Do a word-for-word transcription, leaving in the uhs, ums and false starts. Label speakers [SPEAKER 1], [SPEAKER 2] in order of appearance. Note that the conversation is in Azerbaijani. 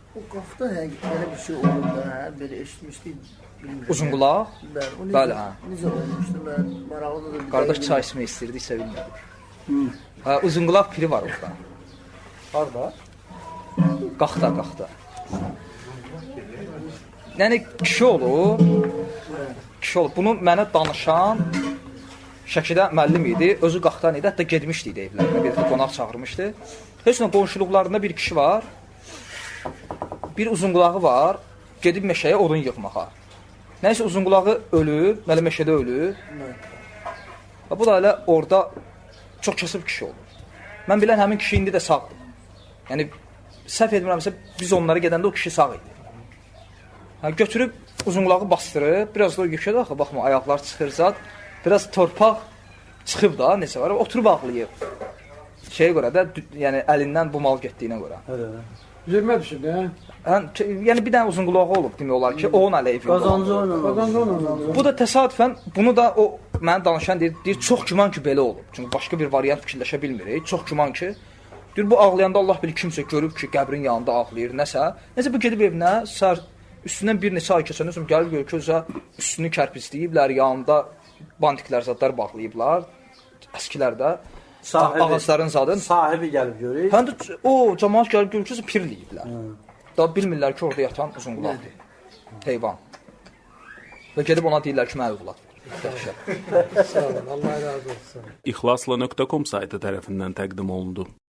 [SPEAKER 1] O qafda həqiqətən belə bir şey olur da, belə eşitmişdik, bilmirəm.
[SPEAKER 2] Uzun qulaq?
[SPEAKER 1] Bəli, o
[SPEAKER 2] Bəli,
[SPEAKER 1] necə,
[SPEAKER 2] hə.
[SPEAKER 1] necə olmuşdu, mən maraqlıdır da bir
[SPEAKER 2] Qardaş
[SPEAKER 1] dəqiqə-
[SPEAKER 2] çay içmək istirdik, sevinmədik. Hə, uzun qulaq piri var orada. Harda? Qaxda, qaxda. Yəni kişi olur. Kişi olur. Bunu mənə danışan Şəkidə müəllim idi, özü qaxdan idi, hətta getmişdi idi evlərinə, bir qonaq çağırmışdı. Heç nə qonşuluqlarında bir kişi var, bir uzun qulağı var, gedib meşəyə odun yığmağa. Nəysə uzun qulağı ölüb, mələ meşədə ölüb. Bu da elə orada çox kasıb kişi olur. Mən bilən həmin kişi indi də sağdır. Yəni, səhv etmirəmsə, biz onlara gedəndə o kişi sağ idi. Hə, götürüb uzun qulağı bastırıb, biraz da o yükə daxı, baxma, ayaqlar çıxır zat. Biraz torpaq çıxıb da, necə var, oturub ağlayıb. Şeyə görə də, yəni əlindən bu mal getdiyinə görə.
[SPEAKER 3] Üzülmə düşüb, hə?
[SPEAKER 2] Hə, yəni bir dənə uzun qulağı olub demək olar ki, onun əleyhi.
[SPEAKER 1] Qazancı onunla.
[SPEAKER 3] Qazancı onunla.
[SPEAKER 2] Bu da təsadüfən, bunu da o mənə danışan deyir, deyir, çox güman ki, belə olub. Çünki başqa bir variant fikirləşə bilmirik. Çox güman ki, deyir, bu ağlayanda Allah bilir kimsə görüb ki, qəbrin yanında ağlayır, nəsə. Nəsə bu gedib evinə, sər üstündən bir neçə ay keçəndən sonra gəlib görür ki, özə üstünü kərpisləyiblər, yanında bantiklər zadlar bağlayıblar, əskilərdə.
[SPEAKER 4] Sahibi,
[SPEAKER 2] ağacların zadın.
[SPEAKER 4] Sahibi gəlib görür.
[SPEAKER 2] Həm də o cəmaət gəlib görür ki, pirləyiblər. Da bilmirlər ki, orada yatan uzun qulaqdır. Heyvan. Və gedib ona deyirlər ki, mənə övlad ver.
[SPEAKER 3] Sağ olun, Allah razı olsun.
[SPEAKER 5] İxlasla nöqtə com saytı tərəfindən təqdim olundu.